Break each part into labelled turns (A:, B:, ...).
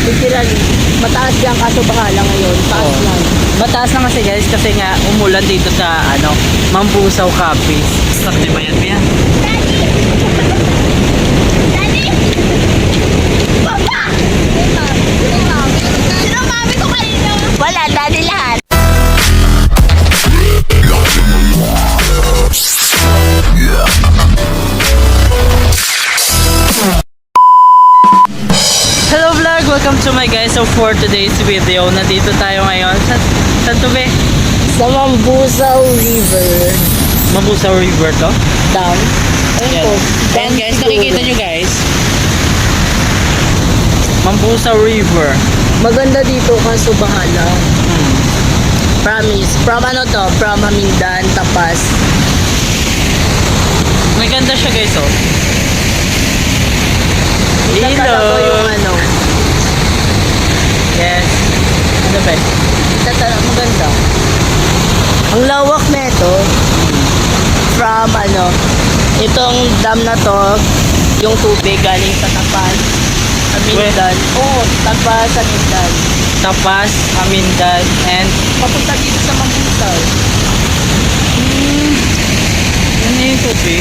A: Literally, mataas yan kaso bahala ngayon. Taas
B: Oo.
A: lang.
B: Mataas na kasi guys kasi nga umulan dito sa Mambusaw Capiz. Stop di ba yan, Pia?
A: Wala, daddy lahat.
B: Hello vlog! Welcome to my guys. So for today's video, nandito tayo ngayon sa saan to be?
A: Sa Mambusaw River.
B: Mambusaw River to?
A: Down.
B: Yan. Ayan guys, nakikita nyo guys. Mambusaw River.
A: Maganda dito kaso bahala. Promise. From ano to? From Amindan, Tapas.
B: May ganda siya guys oh.
A: Ito talaga yung ano.
B: Yes. Ano ba?
A: Ito talaga maganda. Ang lawak na ito. From ano. Itong dam na to. Yung tubig galing sa Tapas. Amindan. Oo, Tapas, Amindan.
B: Tapas, Amindan, and
A: Papunta dito sa Mambusaw.
B: ano yung tubig?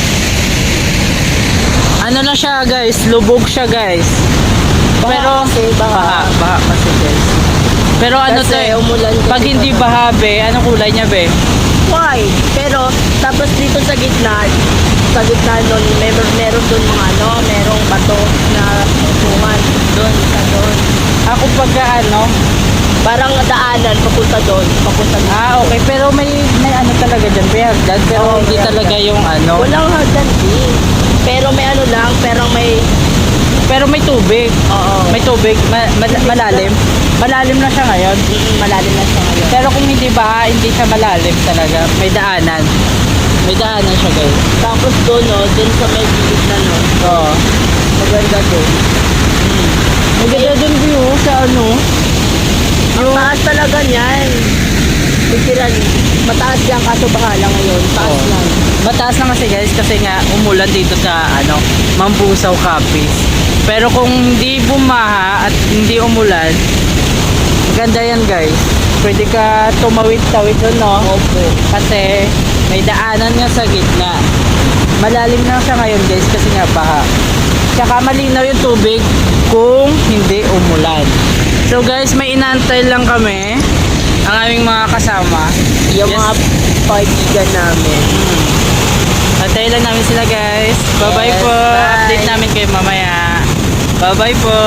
B: Ano na siya guys? Lubog siya guys. Pero
A: kasi,
B: baha kasi guys. Pero ano to
A: Kasi
B: eh,
A: umulan kasi
B: pag hindi
A: pa.
B: baha be, anong kulay niya be?
A: Why? Pero, tapos dito sa gitna nun, meron dun mga ano, merong bato na tungan dun, sa dun.
B: Ako pagka
A: Parang daanan, papunta dun, papunta dun.
B: okay, pero may ano talaga dyan, may hagdan, pero
A: Oo,
B: hindi
A: may
B: talaga
A: hagdan.
B: yung
A: Walang hagdan din. Pero may ano lang,
B: pero may tubig.
A: oo.
B: May tubig, malalim. Malalim na siya ngayon.
A: Malalim na siya ngayon.
B: Pero kung hindi baha, hindi siya malalim talaga. May daanan. May daanan siya guys.
A: Tapos dun, no, dun sa may gilid na, no,
B: Oo.
A: maganda dun.
B: Maganda dun view sa
A: Ang taas talaga niyan. Literally, mataas yan kaso bahala ngayon. Taas
B: Oo.
A: lang.
B: Mataas na kasi guys kasi nga umulan dito sa Mambusaw Capiz. Pero kung hindi bumaha at hindi umulan, maganda yan guys. Pwede ka tumawid-tawid doon no?
A: Opo.
B: Kasi may daanan nga sa gitna. Malalim na siya ngayon guys kasi nga baha. Tsaka malinaw yung tubig kung hindi umulan. So guys, may inaantay lang kami ang aming mga kasama.
A: Yung
B: Yes.
A: mga kaibigan namin.
B: Antay lang namin sila guys. Bye-bye
A: Yes,
B: po.
A: bye.
B: Update namin kayo mamaya. Bye-bye po.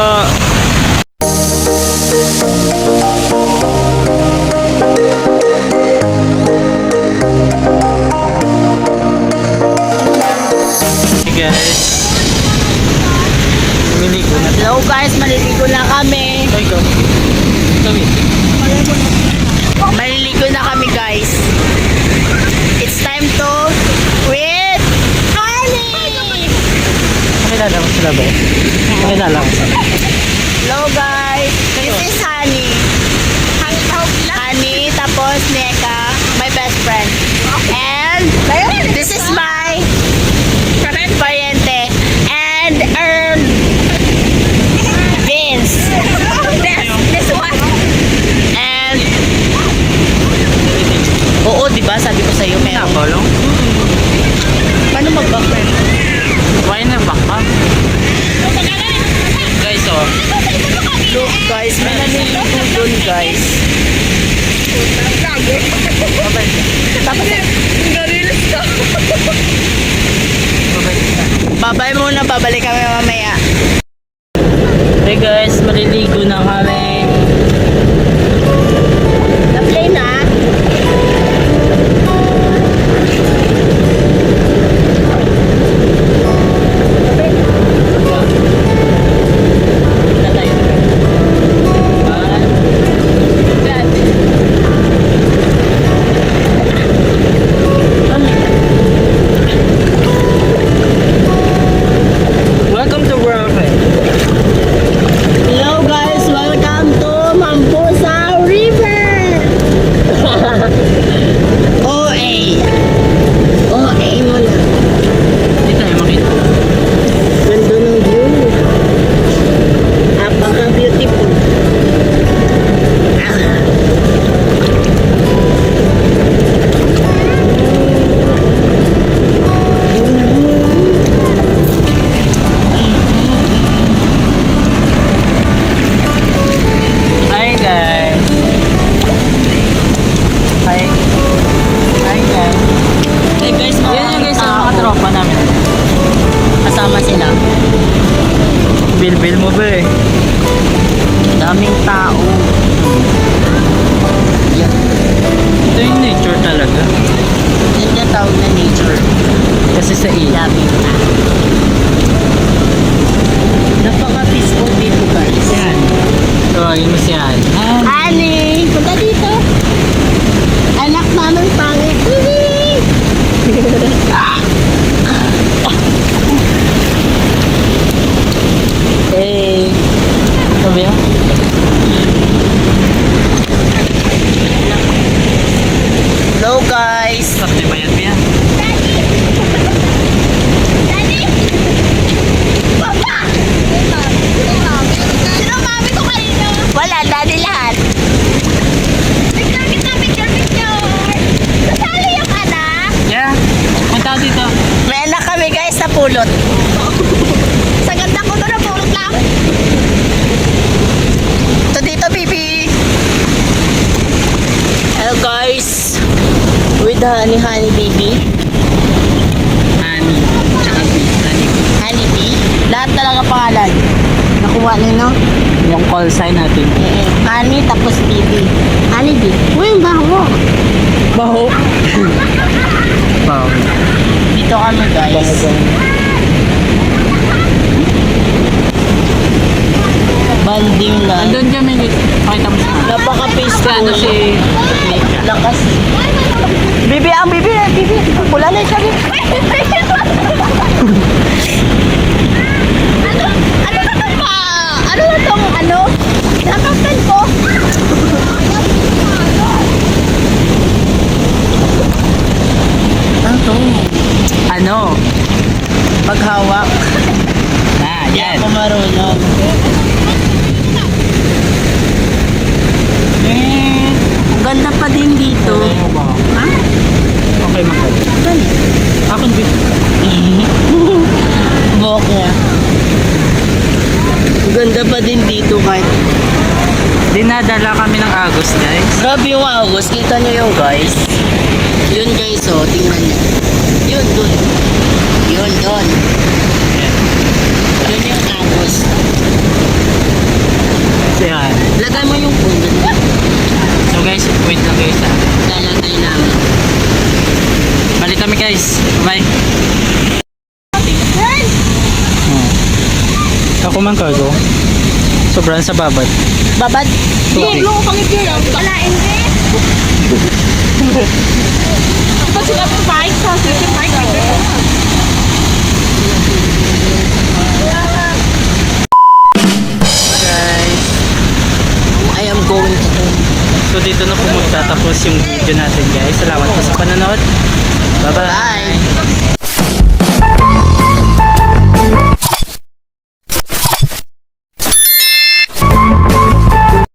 B: Hey guys. Lumiligo na.
A: Hello guys, maliligo na kami.
B: Ay go. Kami.
A: Maliligo na kami guys. It's time to with honey.
B: Pakilala mo sila ba? Pakilala mo sila.
A: Hello guys, this is Honey. Honey, tapos Neka, my best friend. And this is my pariente. And Vince. This one. And oo, diba? Sabi ko sa'yo, meron.
B: Nabalong?
A: Paano mag-background?
B: Why na baka? Guys oh.
A: Look guys, may naliligo dun guys. Tapos, babay muna, babalik kami mamaya.
B: Hey guys, maliligo na kami.
A: Na-play na.
B: Welcome to World.
A: Hello guys, welcome Daming tao. Yan.
B: Ito yung nature talaga.
A: Yan yung tawag na nature.
B: Kasi sa ilog.
A: Daming na. Napaka-peaceful dito guys.
B: Yan. Tawagin mo si Han. Han.
A: Ani, punta dito. Anak namin pangit.
B: Hey. Sabi mo?
A: Hello guys.
B: Sakti ba yan, Pia?
C: Daddy! Papa! Sino mami ko kanina?
A: Wala, daddy lahat.
C: Picture kita, picture! Kasali yung anak?
B: Yeah. Punta ka dito.
A: May anak kami guys sa pulot.
C: Sa ganda ko to na pulot lang.
A: Ito dito, baby. Hello guys. With honey baby.
B: Honey. Tsaka bee. Honey.
A: Honey bee. Lahat talaga pangalan. Nakuha na no?
B: Yung call sign natin.
A: Honey tapos baby. Honey bee. Uy, baho.
B: Baho. Baho.
A: Dito kami guys. Banding na.
B: Andun kami. Pakita mo siya.
A: Napaka-peaceful.
B: Ano si Nika?
A: Lakas. Bibi, ang bibi. Pula na siya.
C: Ano na tong ano na tong ano? Nakapal ko.
A: Ano to?
B: Ano?
A: Paghawak.
B: Ah,
A: Hindi
B: yan.
A: ako marunong. Ang ganda pa din dito. Ha?
B: Okay, makal. Akong bee.
A: Buhok niya. Ang ganda pa din dito kahit.
B: Dinadala kami ng Agos, guys.
A: Grabe yung August. Kita nyo yung guys. Yun guys oh. Tingnan nyo. Yun dun. Yun dun. Yun yung August.
B: So, yan.
A: Lagay mo yung phone dun.
B: So, guys, wait lang guys, ha.
A: Lalagay namin.
B: Balik kami, guys. Bye. Ako man cargo. Sobrang sa babad.
A: Babad.
B: Okay.
C: Lo pangit yun. Wala hindi. Ito sila ng bike. Sa yung bike.
A: Guys. I am going to home.
B: So, dito na po magtatapos yung video natin, guys. Salamat po sa panonood. Bye-bye.
A: Bye.